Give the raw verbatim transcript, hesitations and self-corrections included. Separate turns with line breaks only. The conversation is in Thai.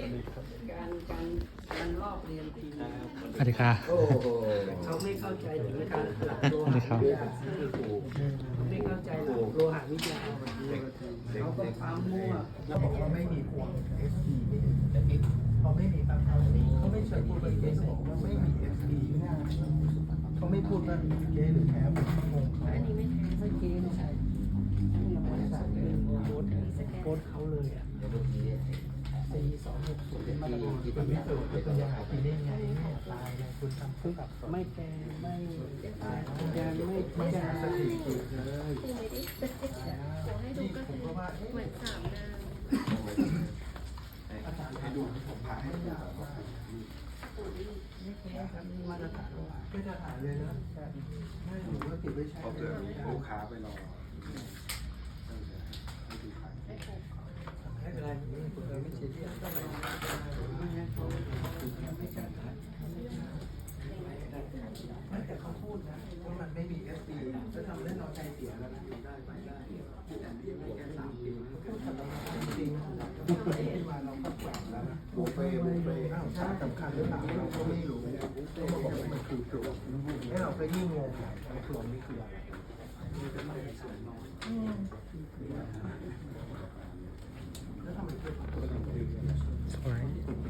การการการลอกเรียนที
สวัสดีค่ะ
โอ้โห
เขาไม่เข้าใจถึงการหลักโล
สวัสดี
หะ
ครับ
วิทยาไม่เข้าใจหลักโลหะวิทยาเขาก็ปั๊มมั่ว
แล้วบอกว่าไม่มีพวง เอส ดี ไม่มีแต่เอ็กพอไม่มีปั๊บเขาเขาไม่เชิญพูดไปเกสบอกว่าไม่มี เอส ดี เขาไม่พูดว่าเกสหรือแท้ผมงงเขา
อันนี้ไม่แท้ไม่เกไม่ใช่เนี่ยบริษัทเป็นโค้ดโค้ดเขาเลยอ่ะสี่สองหกศูนย์มาตรฐาน
มันไม่เกิดเป็นยาปีนี้ไงตายไงคุณทำผู้กับ
ไม่แกไม่ตายยังไม่
ไม่
แก
ยาสถิติเลย
คือไม่ได้ขอให้ดูก็คือเหมือนสามนาง
อาจารย์ให้ดูผมผ่าให้ยาว่า
มาตรฐาน
ไม่จะถ่ายเลยนะไม่หรือว่าติดไว้ใช้
พอเกิดลูกค้าไปรอ
ไม่เป็นไรผมไม่เชียร์ที่ต้องไป ไม่แต่เขาพูดนะว่ามันไม่มี เอส ดี จะทำให้เราใจเสียแล้วนะได้ไปได้แต่นี่ไม่แค่สามปีก็ทำได้จริงที่มาเราก็แกว่งแล้วนะบุฟเฟ่บุฟเฟ่อ้าวใช่สำคัญหรือเปล่าเราก็ไม่รู้เขาบอกว่ามันคือปลวกให้เราไปยิ่งงงใหญ่ว่าปลวกนี่คืออะไรแล้วทำไมเกิด
สวย